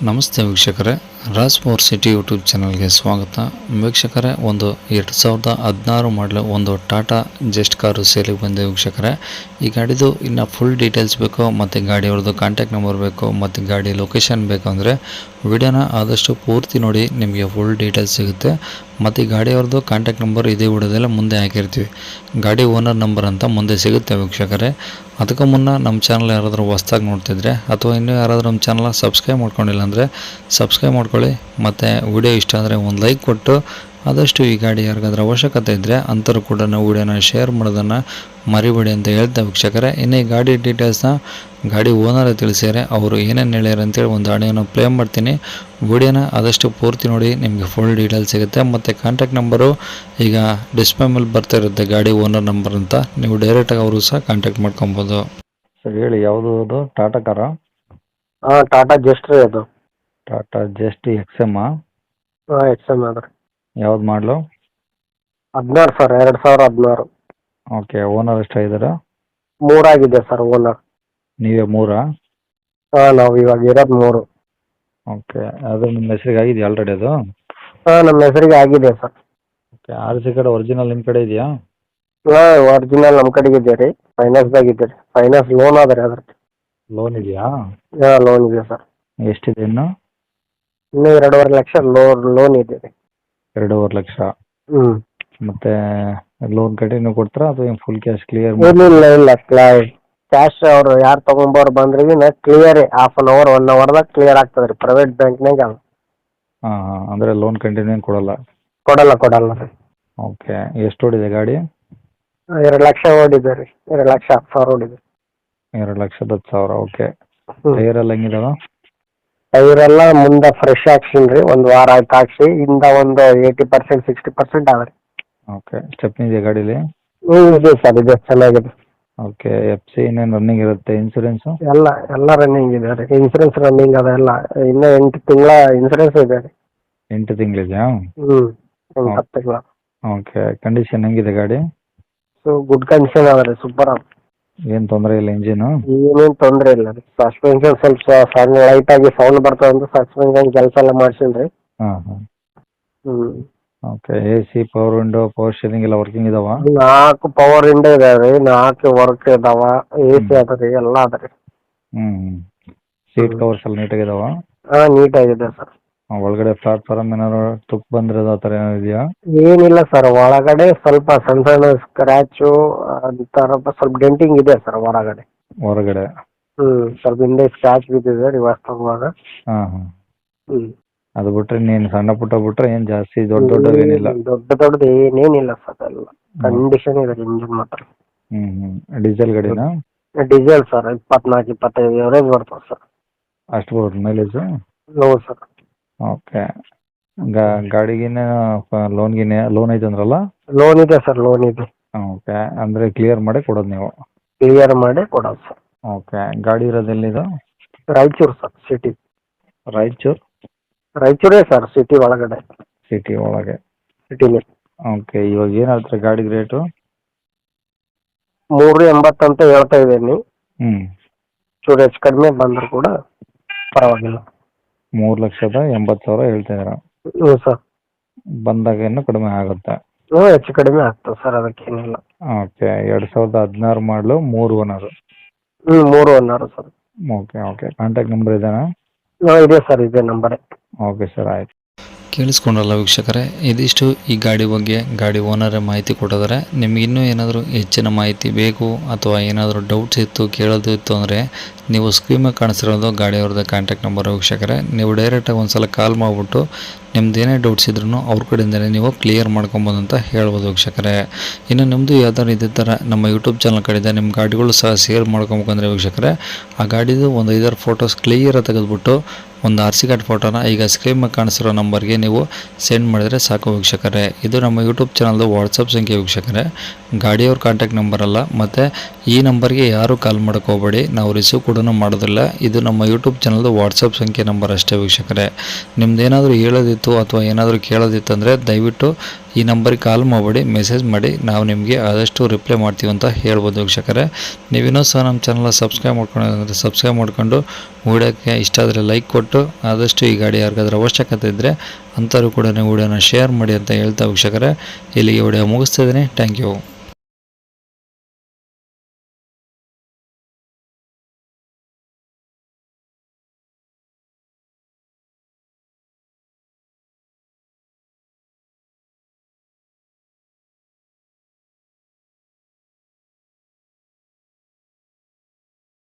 ನಮಸ್ತೆ ವೀಕ್ಷಕರೇ, Raj power city YouTube ಚಾನಲ್ಗೆ ಸ್ವಾಗತ. ವೀಕ್ಷಕರೇ, ಒಂದು 2016 ಮಾಡಲು ಒಂದು ಟಾಟಾ ಜೆಸ್ಟ್ ಕಾರು ಸೇಲಿಗೆ ಬಂದಿದೆ ವೀಕ್ಷಕರೇ. ಈ ಗಾಡಿದು ಇನ್ನು ಫುಲ್ ಡೀಟೇಲ್ಸ್ ಬೇಕು ಮತ್ತು ಗಾಡಿಯವ್ರದ್ದು ಕಾಂಟ್ಯಾಕ್ಟ್ ನಂಬರ್ ಬೇಕು ಮತ್ತು ಗಾಡಿ ಲೊಕೇಶನ್ ಬೇಕು ಅಂದರೆ ವಿಡಿಯೋನ ಆದಷ್ಟು ಪೂರ್ತಿ ನೋಡಿ, ನಿಮಗೆ ಫುಲ್ ಡೀಟೇಲ್ಸ್ ಸಿಗುತ್ತೆ. ಮತ್ತು ಈ ಗಾಡಿಯವ್ರದ್ದು ಕಾಂಟ್ಯಾಕ್ಟ್ ನಂಬರ್ ಇದೇ ವಿಡಿಯೋದೆಲ್ಲ ಮುಂದೆ ಹಾಕಿರ್ತೀವಿ. ಗಾಡಿ ಓನರ್ ನಂಬರ್ ಅಂತ ಮುಂದೆ ಸಿಗುತ್ತೆ ವೀಕ್ಷಕರೇ. ಅದಕ್ಕೂ ಮುನ್ನ ನಮ್ಮ ಚಾನಲ್ ಯಾರಾದರೂ ಹೊಸ್ದಾಗಿ ನೋಡ್ತಿದ್ರೆ ಅಥವಾ ಇನ್ನೂ ಯಾರಾದರೂ ನಮ್ಮ ಚಾನಲ್ನ ಸಬ್ಸ್ಕ್ರೈಬ್ ಮಾಡ್ಕೊಂಡಿಲ್ಲ ಅಂದರೆ ಸಬ್ಸ್ಕ್ರೈಬ್ ಮಾಡ್ಕೊಳ್ಳಿ. ಮತ್ತು ವಿಡಿಯೋ ಇಷ್ಟ ಆದರೆ ಒಂದು ಲೈಕ್ ಕೊಟ್ಟು ಆದಷ್ಟು ಈ ಗಾಡಿ ಯಾರಿಗಾದ್ರೂ ಅವಶ್ಯಕತೆ ಇದ್ದರೆ ಅಂಥವ್ರು ಕೂಡ ನಾವು ವಿಡಿಯೋನ ಶೇರ್ ಮಾಡೋದನ್ನು ಮರಿಬೇಡಿ ಅಂತ ಹೇಳ್ತಾ ವೀಕ್ಷಕರೇ. ಇನ್ನು ಈ ಗಾಡಿ ಡೀಟೇಲ್ಸ್ನ ಗಾಡಿ ಓನರೇ ತಿಳಿಸ್ಯಾರೆ, ಅವರು ಏನೇನು ಹೇಳ್ಯಾರ ಅಂತೇಳಿ ಒಂದು ಆಡಿಯೋನ ಪ್ಲೇ ಮಾಡ್ತೀನಿ. ವಿಡಿಯೋನ ಆದಷ್ಟು ಪೂರ್ತಿ ನೋಡಿ, ನಿಮಗೆ ಫುಲ್ ಡೀಟೇಲ್ಸ್ ಸಿಗುತ್ತೆ. ಮತ್ತು ಕಾಂಟ್ಯಾಕ್ಟ್ ನಂಬರು ಈಗ ಡಿಸ್ಪ್ಲೇ ಮೇಲೆ ಬರ್ತಾ ಇರುತ್ತೆ, ಗಾಡಿ ಓನರ್ ನಂಬರ್ ಅಂತ. ನೀವು ಡೈರೆಕ್ಟಾಗಿ ಅವರು ಸಹ ಕಾಂಟ್ಯಾಕ್ಟ್ ಮಾಡ್ಕೊಬೋದು. ಸರ್ ಹೇಳಿ, ಯಾವುದು ಅದು? ಟಾಟಾ ಕಾರಾ? ಹಾಂ, ಟಾಟಾ ಜಸ್ಟ್ ರೀ ಅದು. Tata Zest XM? ಹಾಂ, XM ಅದ್ರಿ. ಯಾವ್ದು ಮಾಡಲು? 16 ಸರ್, 2016. ಓಕೆ. ಓನರ್ ಎಷ್ಟಾಗಿದ್ದಾರೆ? 3 ಆಗಿದೆ ಸರ್ ಓನರ್. ನೀವೇ 3? ಹಾಂ, ನಾವು ಇವಾಗ ಇರೋದು 3. ಓಕೆ. ಅದು ನಿಮ್ಮ ಹೆಸರಿಗೆ ಆಗಿದೆಯಾ ಆಲ್ರೆಡಿ ಅದು? ಹಾಂ, ನಮ್ಮ ಹೆಸರಿಗೆ ಆಗಿದೆ sir. Okay. RC card original ನಿಮ್ಮ ಕಡೆ ಇದೆಯಾ? ಹಾಂ, ಒರಿಜಿನಲ್ ನಮ್ಮ ಕಡೆಗೆ ಇದೆ ರೀ. ಫೈನಾನ್ಸ್ದಾಗ ಇದೆ ರೀ. ಫೈನಾನ್ಸ್ ಲೋನ್ ಅದ ರೀ ಅದ್ರದ್ದು. ಲೋನ್ ಇದೆಯಾ? ಹಾಂ, ಲೋನ್ ಇದೆ ಸರ್. ಎಷ್ಟಿದೆ ಇನ್ನು? ಇನ್ನೂ 2.5 ಲಕ್ಷ ಲೋನ್ ಇದೆ ರೀ. 2.5 ಲಕ್ಷ. ಹ್ಞೂ. ಮತ್ತೆ ಲೋನ್ ಕಂಟಿನ್ಯೂ ಕೊಡ್ತಾರಾ ಅಥವಾ ಫುಲ್ ಕ್ಯಾಶ್ ಕ್ಲಿಯರ್? ಇಲ್ಲ ಕ್ಯಾಶ್ ಅವ್ರು ಯಾರು ತೊಗೊಂಬೋರು ಬಂದ್ರಿ ಕ್ಲಿಯರ್ ಹಾಫ್ ಅನ್ ಅವರ್ 1 ಅವರ್ದಾಗ ಕ್ಲಿಯರ್ ಆಗ್ತದೆ ರೀ. ಪ್ರೈವೇಟ್ ಬ್ಯಾಂಕ್ನಾಗ ಅದು. ಹಾಂ ಹಾಂ. ಅಂದರೆ ಲೋನ್ ಕಂಟಿನ್ಯೂ ಕೊಡಲ್ಲ? ಕೊಡಲ್ಲ ರೀ. ಓಕೆ. ಎಷ್ಟು ಓಡಿದೆ ಗಾಡಿ? 2 ಲಕ್ಷ ಓಡಿದೆ ರೀ. 2 ಲಕ್ಷ 10 ಸಾವಿರ ಓಡಿದೆ. 2,10,000. ಓಕೆ. ಟೈರ್ ಎಲ್ಲ ಹೆಂಗಿದಾವ? ಟೈರ್ ಎಲ್ಲ ಮುಂದೆ ಫ್ರೆಶ್ ಹಾಕ್ಸಿನಿ ರೀ. 1 ವಾರ ಆಯ್ತು ಹಾಕ್ಸಿ. ಇಂದ ಒಂದು 80% 60% ಅದ ರೀ. ಓಕೆ. ಸ್ಟೆಪ್ನಿ ಇದೆಯಾ ಗಾಡೀಲಿ? ಇದೆ ಸರ್, ಇದೆ, ಚೆನ್ನಾಗಿದೆ. ಓಕೆ. FC ಇನ್ನೇನು ರನ್ನಿಂಗ್ ಇರುತ್ತೆ? ಇನ್ಸೂರೆನ್ಸು? ಎಲ್ಲ ರನ್ನಿಂಗ್ ಇದೆ ರೀ. ಇನ್ಸೂರೆನ್ಸ್ ರನ್ನಿಂಗ್ ಅದ ಎಲ್ಲ. ಇನ್ನೂ 8 ತಿಂಗಳ ಇನ್ಸೂರೆನ್ಸ್ ಇದೆ ರೀ. 8 ತಿಂಗಳಿದೆಯಾ? 10 ತಿಂಗಳ. ಓಕೆ. ಕಂಡೀಷನ್ ಹೆಂಗಿದೆ ಗಾಡಿ? ಗುಡ್ ಕಂಡೀಷನ್ ಅದ ರೀ. ಸೂಪರ್ ಅದ. ಏನು ತೊಂದರೆ ಇಲ್ಲ ಇಂಜಿನು? ಏನೇನು ತೊಂದರೆ ಇಲ್ಲ ರೀ. ಸಸ್ಪೆನ್ಷನ್ ಸ್ವಲ್ಪ ಸಣ್ಣ ಲೈಟ್ ಆಗಿ ಸೌಂಡ್ ಬರ್ತದೆ ಅಂತ ಸಸ್ಪೆನ್ಷನ್ ಕೆಲಸ ಎಲ್ಲ ಮಾಡ್ಸೀನಿ ರೀ. ಹಾಂ ಹಾಂ. ಹ್ಞೂ. Okay. AC, power window, power steering ಎಲ್ಲ ವರ್ಕಿಂಗ್ ಇದಾವ? 4 ಪವರ್ ವಿಂಡೋ ಇದಾವೆ ರೀ. 4 ವರ್ಕ್ ಇದಾವ. AC ಅದ ರೀ, ಎಲ್ಲ ಅದ ರೀ. ಹ್ಞೂ. ಸೀಟ್ ಕವರ್ಸ್ ಎಲ್ಲ ನೀಟಾಗಿದಾವ? ಹಾಂ, ನೀಟಾಗಿದೆ ಸರ್. ಒಳಗಡೆ ಪ್ಲಾಟ್ಫಾರ್ಮ್ ಏನಾದ್ರು ತುಕ್ಕು ಬಂದಿರೋದು ಆ ಥರ ಏನಾದ್ರು ಇದೆಯಾ? ಏನಿಲ್ಲ ಸರ್. ಒಳಗಡೆ ಸ್ವಲ್ಪ ಸಣ್ಣ ಸಣ್ಣ ಸ್ಕ್ರ್ಯಾಚು ಅಂತರ ಸ್ವಲ್ಪ ಡೆಂಟಿಂಗ್ ಇದೆ ಸರ್ ಹೊರಗಡೆ. ಹೊರಗಡೆ? ಸ್ವಲ್ಪ ಹಿಂದೆ ಸ್ಕ್ರ್ಯಾಚ್ ಬಿದ್ದಿದೆ ರಿವರ್ಸ್ ತಗುವಾಗ. ಹಾಂ ಹಾಂ. ಹ್ಞೂ. ಅದು ಬಿಟ್ರೆ ನೀನು ಸಣ್ಣ ಪುಟ್ಟ ಬಿಟ್ರೆ ಏನು ಜಾಸ್ತಿ ದೊಡ್ಡವೇನಿಲ್ಲ? ದೊಡ್ಡದು ಏನೇನಿಲ್ಲ ಸರ್. ಎಲ್ಲ ಕಂಡೀಷನ್ ಇದೆ ಇಂಜಿನ್ ಮಾತ್ರ. ಹ್ಞೂ. ಡೀಸೆಲ್ ಗಾಡಿನಾ? Diesel sir. 24-25 ಎವರೇಜ್ ಬರ್ತದೆ ಸರ್. ಅಷ್ಟು ಬರುತ್ತೆ ಮೈಲೇಜು? ಹೌದು ಸರ್. ಓಕೆ. ಗಾಡಿಗಿನ್ನ ಲೋನ್ ಐತೆ ಅಂದ್ರಲ್ಲ? ಲೋನ್ ಇದೆ ಸರ್, ಲೋನ್ ಇದೆ. ಓಕೆ. ಅಂದರೆ ಕ್ಲಿಯರ್ ಮಾಡಿ ಕೊಡೋದು ನೀವು? ಕ್ಲಿಯರ್ ಮಾಡಿ ಕೊಡೋದು ಸರ್. ಓಕೆ. ಗಾಡಿ ಇರೋದು ಎಲ್ಲಿದು? Raichur sir, city. ರಾಯಚೂರೇ ಸರ್, ಸಿಟಿ ಒಳಗಡೆ. ಸಿಟಿ ಒಳಗೆ? ಸಿಟಿಲಿ. ಓಕೆ. ಇವಾಗ ಏನು ಹೇಳ್ತಾರೆ ಗಾಡಿಗೆ ರೇಟು? 380 ಅಂತ ಹೇಳ್ತಾ ಇದ್ದೀನಿ. ಹ್ಞೂ. ಚೂರು ಹೆಚ್ಚು ಕಡಿಮೆ ಬಂದರೂ ಕೂಡ ಪರವಾಗಿಲ್ಲ. 3,80,000 ಹೇಳ್ತಿದ್ದೀರಾ? ಹ್ಞೂ ಸರ್. ಬಂದಾಗ ಇನ್ನೂ ಕಡಿಮೆ ಆಗುತ್ತೆ? ಹ್ಞೂ, ಹೆಚ್ಚು ಕಡಿಮೆ ಆಗ್ತದೆ sir, ಅದಕ್ಕೇನಿಲ್ಲ. Okay. 2016 model 3 owner? 3 owner sir. Okay okay. Contact number ಇದೆಯಾ? ಇದೆ ಸರ್, ಇದೆ ನಂಬರೇ. ಓಕೆ ಸರ್, ಆಯ್ತು. ಕೇಳಿಸ್ಕೊಂಡ್ರಲ್ಲ ವೀಕ್ಷಕರೇ, ಇದಿಷ್ಟು ಈ ಗಾಡಿ ಬಗ್ಗೆ ಗಾಡಿ ಓನರೇ ಮಾಹಿತಿ ಕೊಟ್ಟಿದ್ದಾರೆ. ನಿಮ್ಗೆ ಇನ್ನೂ ಏನಾದರೂ ಹೆಚ್ಚಿನ ಮಾಹಿತಿ ಬೇಕು ಅಥವಾ ಏನಾದರೂ ಡೌಟ್ಸ್ ಇತ್ತು, ಕೇಳೋದು ಇತ್ತು ಅಂದರೆ ನೀವು ಸ್ಕ್ರೀನ್ ಮೇಲೆ ಕಾಣಿಸಿರೋದು ಗಾಡಿಯವ್ರದ್ದು ಕಾಂಟ್ಯಾಕ್ಟ್ ನಂಬರ್ ವೀಕ್ಷಕರೇ. ನೀವು ಡೈರೆಕ್ಟಾಗಿ ಒಂದು ಸಲ ಕಾಲ್ ಮಾಡಿಬಿಟ್ಟು ನಿಮ್ದು ಏನೇ ಡೌಟ್ಸ್ ಇದ್ರೂ ಅವ್ರ ಕಡೆಯಿಂದಲೇ ನೀವು ಕ್ಲಿಯರ್ ಮಾಡ್ಕೊಬೋದು ಅಂತ ಹೇಳ್ಬೋದು ವೀಕ್ಷಕರೇ. ಇನ್ನು ನಿಮ್ಮದು ಯಾವ್ದಾದ್ರು ಇದೇ ಥರ ನಮ್ಮ ಯೂಟ್ಯೂಬ್ ಚಾನಲ್ ಕಡೆಯಿಂದ ನಿಮ್ಮ ಗಾಡಿಗಳು ಸಹ ಸೇಲ್ ಮಾಡ್ಕೊಬೇಕಂದ್ರೆ ವೀಕ್ಷಕರೇ, ಆ ಗಾಡಿದು ಒಂದು 5-6 ಫೋಟೋಸ್ ಕ್ಲಿಯರಾಗಿ ತೆಗೆದುಬಿಟ್ಟು ಒಂದು RC ಕಾರ್ಡ್ ಫೋಟೋನ ಈಗ ಸ್ಕ್ರೀನ್ ಮೇಲೆ ಕಾಣಿಸಿರೋ ನಂಬರ್ಗೆ ನೀವು ಸೆಂಡ್ ಮಾಡಿದರೆ ಸಾಕು ವೀಕ್ಷಕರೇ. ಇದು ನಮ್ಮ ಯೂಟ್ಯೂಬ್ ಚಾನಲ್ದು ವಾಟ್ಸಪ್ ಸಂಖ್ಯೆ ವೀಕ್ಷಕರೇ, ಗಾಡಿಯವ್ರ ಕಾಂಟ್ಯಾಕ್ಟ್ ನಂಬರ್ ಅಲ್ಲ. ಮತ್ತು ಈ ನಂಬರ್ಗೆ ಯಾರೂ ಕಾಲ್ ಮಾಡೋಕ್ಕೆ ಹೋಗಬೇಡಿ, ನಾವು ರಿಸೀವ್ ಕೂಡ ಮಾಡೋದಿಲ್ಲ. ಇದು ನಮ್ಮ ಯೂಟ್ಯೂಬ್ ಚಾನಲ್ದು ವಾಟ್ಸಪ್ ಸಂಖ್ಯೆ ನಂಬರ್ ಅಷ್ಟೇ ವೀಕ್ಷಕರೇ. ನಿಮ್ದು ಏನಾದರೂ ಹೇಳೋದಿತ್ತು ಅಥವಾ ಏನಾದರೂ ಕೇಳೋದಿತ್ತು ಅಂದರೆ ದಯವಿಟ್ಟು ಈ ನಂಬರಿಗೆ ಕಾಲ್ ಮಾಡಬೇಡಿ, ಮೆಸೇಜ್ ಮಾಡಿ, ನಾವು ನಿಮಗೆ ಆದಷ್ಟು ರಿಪ್ಲೈ ಮಾಡ್ತೀವಿ ಅಂತ ಹೇಳ್ಬೋದು ವೀಕ್ಷಕರೇ. ನೀವಿನ್ನೂ ಸಹ ನಮ್ಮ ಚಾನಲ್ ಸಬ್ಸ್ಕ್ರೈಬ್ ಮಾಡ್ಕೊಂಡು ಸಬ್ಸ್ಕ್ರೈಬ್ ಮಾಡ್ಕೊಂಡು ವಿಡಿಯೋಕ್ಕೆ ಇಷ್ಟ ಆದರೆ ಲೈಕ್ ಕೊಟ್ಟು ಆದಷ್ಟು ಈ ಗಾಡಿ ಯಾರಿಗಾದ್ರೂ ಅವಶ್ಯಕತೆ ಇದ್ದರೆ ಅಂಥವ್ರು ಕೂಡ ವಿಡಿಯೋನ ಶೇರ್ ಮಾಡಿ ಅಂತ ಹೇಳ್ತಾ ವೀಕ್ಷಕರೇ, ಇಲ್ಲಿಗೆ ವಿಡಿಯೋ ಮುಗಿಸ್ತಿದ್ದೀನಿ. Thank you.